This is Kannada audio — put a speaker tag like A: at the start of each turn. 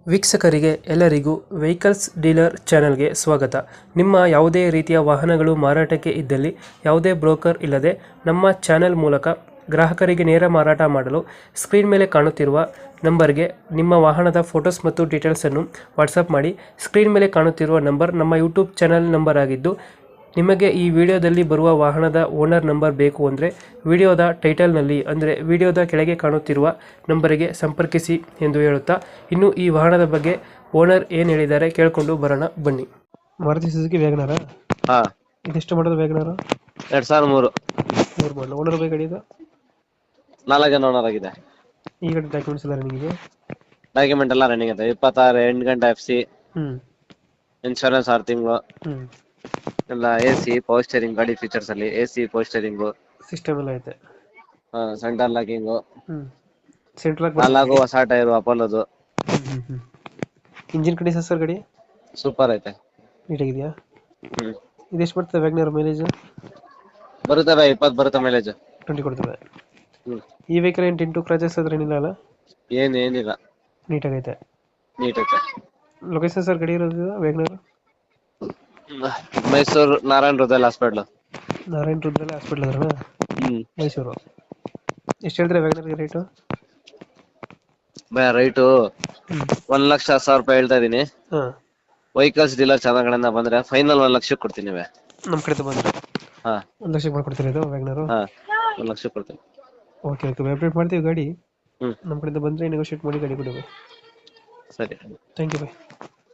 A: ವೀಕ್ಷಕರಿಗೆ ಎಲ್ಲರಿಗೂ ವೆಹಿಕಲ್ಸ್ ಡೀಲರ್ ಚಾನೆಲ್ಗೆ ಸ್ವಾಗತ. ನಿಮ್ಮ ಯಾವುದೇ ರೀತಿಯ ವಾಹನಗಳು ಮಾರಾಟಕ್ಕೆ ಇದ್ದಲ್ಲಿ ಯಾವುದೇ ಬ್ರೋಕರ್ ಇಲ್ಲದೆ ನಮ್ಮ ಚಾನೆಲ್ ಮೂಲಕ ಗ್ರಾಹಕರಿಗೆ ನೇರ ಮಾರಾಟ ಮಾಡಲು ಸ್ಕ್ರೀನ್ ಮೇಲೆ ಕಾಣುತ್ತಿರುವ ನಂಬರ್ಗೆ ನಿಮ್ಮ ವಾಹನದ ಫೋಟೋಸ್ ಮತ್ತು ಡೀಟೇಲ್ಸನ್ನು ವಾಟ್ಸಪ್ ಮಾಡಿ. ಸ್ಕ್ರೀನ್ ಮೇಲೆ ಕಾಣುತ್ತಿರುವ ನಂಬರ್ ನಮ್ಮ ಯೂಟ್ಯೂಬ್ ಚಾನೆಲ್ ನಂಬರ್ ಆಗಿದ್ದು, ನಿಮಗೆ ಈ ವಿಡಿಯೋದಲ್ಲಿ ಬರುವ ವಾಹನದ ಓನರ್ ನಂಬರ್ ಬೇಕು ಅಂದರೆ ವಿಡಿಯೋದ ಟೈಟಲ್ನಲ್ಲಿ ಅಂದರೆ ವಿಡಿಯೋದ ಕೆಳಗೆ ಕಾಣುತ್ತಿರುವ ನಂಬರಿಗೆ ಸಂಪರ್ಕಿಸಿ ಎಂದು ಹೇಳುತ್ತಾ, ಇನ್ನು ಈ ವಾಹನದ ಬಗ್ಗೆ ಓನರ್ ಏನು ಹೇಳಿದ್ದಾರೆ ಕೇಳಿಕೊಂಡು ಬರೋಣ ಬನ್ನಿ. ಮಾರುತಿ ಸುಜುಕಿ ವ್ಯಾಗನರ
B: ಹಾ
A: ಇದೆಷ್ಟು ಮಾಡೋದು ವ್ಯಾಗನರ?
B: 2003
A: ಮೂರು ಮಾಡಲು. ಓನರ್ ಬೈ ಗಾಡಿ ಇದು
B: 4 ಜನ ಓನರ್ ಆಗಿದೆ.
A: ಈ ಗಾಡಿ ಡಾಕ್ಯುಮೆಂಟ್ಸ್ ಎಲ್ಲ ನಿಮಗೆ?
B: ಡಾಕ್ಯುಮೆಂಟ್ ಎಲ್ಲ ರನ್ನಿಂಗ್ ಇದೆ. 26 8 ಗಂಟೆ FC, ಇನ್ಶೂರೆನ್ಸ್ 6 ತಿಂಗಳು ಎಲ್ಲ. AC ಪವರ್ ಸ್ಟೇರಿಂಗ್, ಗಾಡಿ ಫೀಚರ್ಸ್ ಅಲ್ಲಿ AC ಪವರ್ ಸ್ಟೇರಿಂಗ್,
A: ಸಿಸ್ಟಮ್ ಎಲ್ಲ ಐತೆ.
B: ಸೆಂಟರ್ ಲಾಕಿಂಗ್,
A: ಸೆಂಟ್ರಲ್
B: 4 ಹೊಸ ಟೈರ್ ಅಪೋಲೋದು.
A: ಇಂಜಿನ್ ಕಂಡೀಷನ್ ಸರ್ ಗಾಡಿ
B: ಸೂಪರ್ ಐತೆ,
A: ನೀಟಾಗಿದೆಯಾ? ಇದೆಷ್ಟು ಬರ್ತದೆ ವ್ಯಾಗನರ್ ಮೈಲೇಜ್?
B: ಬರುತ್ತೆ 20 ಬರುತ್ತೆ ಮೈಲೇಜ್.
A: 20 ಕೊಡ್ತದೆ. ಈ ವೆಹಿಕಲ್ ಏನು ಟಿಂಟು ಕ್ರಾಚಸ್ ಅದ್ರ ಏನಿಲ್ಲ ಅಲ್ಲ?
B: ಏನಿಲ್ಲ,
A: ನೀಟಾಗೈತೆ.
B: ನೀಟ್ ಐತೆ.
A: ಲೊಕೇಶನ್ ಸರ್ ಗಾಡಿ ಇರೋದು ವ್ಯಾಗನರ್?
B: ಮೈಸೂರು ನಾರಾಯಣ್ ಹೃದಯ ಹಾಸ್ಪಿಟ್ಲ್.
A: ನಾರಾಯಣ್ ರುದ್ರಲ್ಲ ಹಾಸ್ಪಿಟಲ್ ಅದ್ರ ಮೈಸೂರು. ಎಷ್ಟು ಹೇಳ್ತಾರೆ ವ್ಯಾಗನರ್ಗೆ ರೇಟು?
B: ರೈಟು 1,10,000 ರೂಪಾಯಿ ಹೇಳ್ತಾ ಇದೀನಿ.
A: ಹಾಂ,
B: ವೆಹಿಕಲ್ಸ್ ಡೀಲರ್ ಚೆನ್ನಾಗಣ್ಣ ಬಂದ್ರೆ ಫೈನಲ್ 1 ಲಕ್ಷಕ್ಕೆ ಕೊಡ್ತೀನಿ.
A: ನಮ್ಮ ಕಡೆ ಬಂದರೆ
B: ಹಾ
A: 1 ಲಕ್ಷಕ್ಕೆ ಮಾಡ್ಕೊಡ್ತೀರಾ ಇದು ವ್ಯಾಗನರು?
B: ಹಾ 1 ಲಕ್ಷಕ್ಕೆ ಕೊಡ್ತೀನಿ.
A: ಓಕೆ ಓಕೆ, ಅಪ್ಡೇಟ್ ಮಾಡ್ತೀವಿ ಗಾಡಿ.
B: ಹ್ಮ್
A: ನಮ್ಮ ಕಡೆಯಿಂದ ಬಂದರೆ ನೆಗೋಷಿಯೇಟ್ ಮಾಡಿ ಗಾಡಿ ಕೊಡಿ.
B: ಸರಿ.
A: Thank you by.